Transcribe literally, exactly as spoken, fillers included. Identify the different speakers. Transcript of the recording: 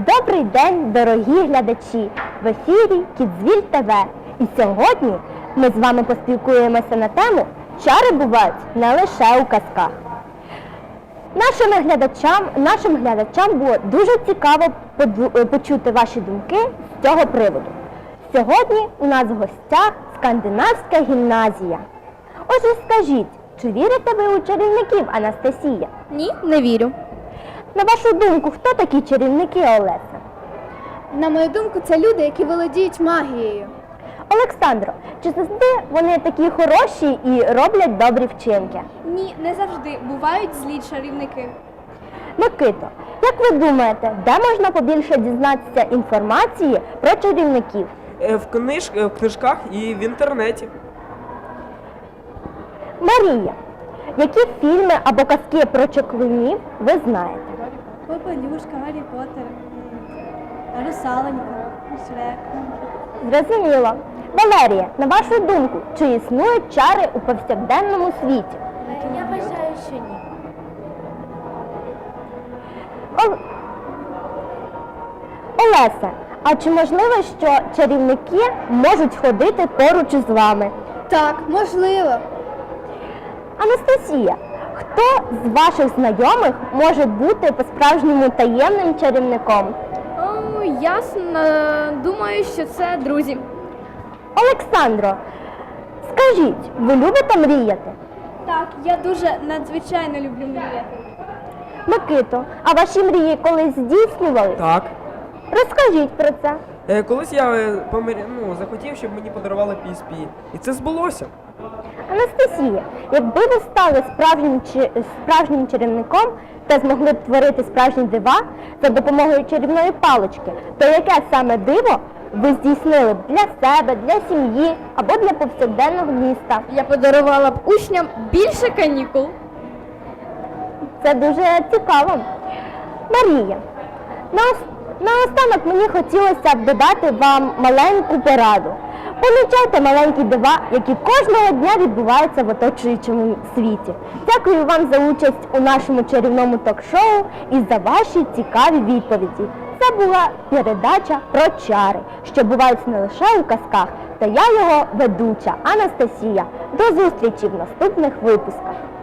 Speaker 1: Добрий день, дорогі глядачі! В ефірі Кідзвіль ТВ. І сьогодні ми з вами поспілкуємося на тему «Чари бувають не лише у казках». Нашим глядачам, нашим глядачам було дуже цікаво почути ваші думки з цього приводу. Сьогодні у нас в гостях Скандинавська гімназія. Отже, скажіть, чи вірите ви у чарівників, Анастасія?
Speaker 2: Ні, не вірю.
Speaker 1: На вашу думку, хто такі чарівники, Олеся?
Speaker 2: На мою думку, це люди, які володіють магією.
Speaker 1: Олександро, чи завжди вони такі хороші і роблять добрі вчинки?
Speaker 2: Ні, не завжди. Бувають злі чарівники.
Speaker 1: Микито, як ви думаєте, де можна побільше дізнатися інформації про чарівників?
Speaker 3: В, книж... в книжках і в інтернеті.
Speaker 1: Марія, які фільми або казки про чаклунів ви знаєте?
Speaker 2: Попелюшка, Гаррі Поттер, Русаленька, Шрек.
Speaker 1: Зрозуміло. Валерія, на вашу думку, чи існують чари у повсякденному світі?
Speaker 2: Я вважаю, що ні.
Speaker 1: Ол... Олеся, а чи можливо, що чарівники можуть ходити поруч із вами?
Speaker 2: Так, можливо.
Speaker 1: Анастасія, хто з ваших знайомих може бути по-справжньому таємним чарівником?
Speaker 2: О, ясно. Думаю, що це друзі.
Speaker 1: Олександро, скажіть, ви любите мріяти?
Speaker 2: Так, я дуже надзвичайно люблю мріяти.
Speaker 1: Микито, а ваші мрії колись здійснювались?
Speaker 3: Так.
Speaker 1: Розкажіть про це.
Speaker 3: Е, колись я е, помир... ну, захотів, щоб мені подарували пі ес пі. І це збулося.
Speaker 1: Анастасія, якби ви стали справжнім, чи- справжнім чарівником та змогли б творити справжні дива за допомогою чарівної палички, то яке саме диво ви здійснили б для себе, для сім'ї або для повсякденного міста?
Speaker 2: Я подарувала б учням більше канікул.
Speaker 1: Це дуже цікаво. Марія, наос- наостанок мені хотілося б додати вам маленьку пораду. Помічайте маленькі дива, які кожного дня відбуваються в оточуючому світі. Дякую вам за участь у нашому чарівному ток-шоу і за ваші цікаві відповіді. Це була передача про чари, що бувають не лише у казках, та я його ведуча Анастасія. До зустрічі в наступних випусках.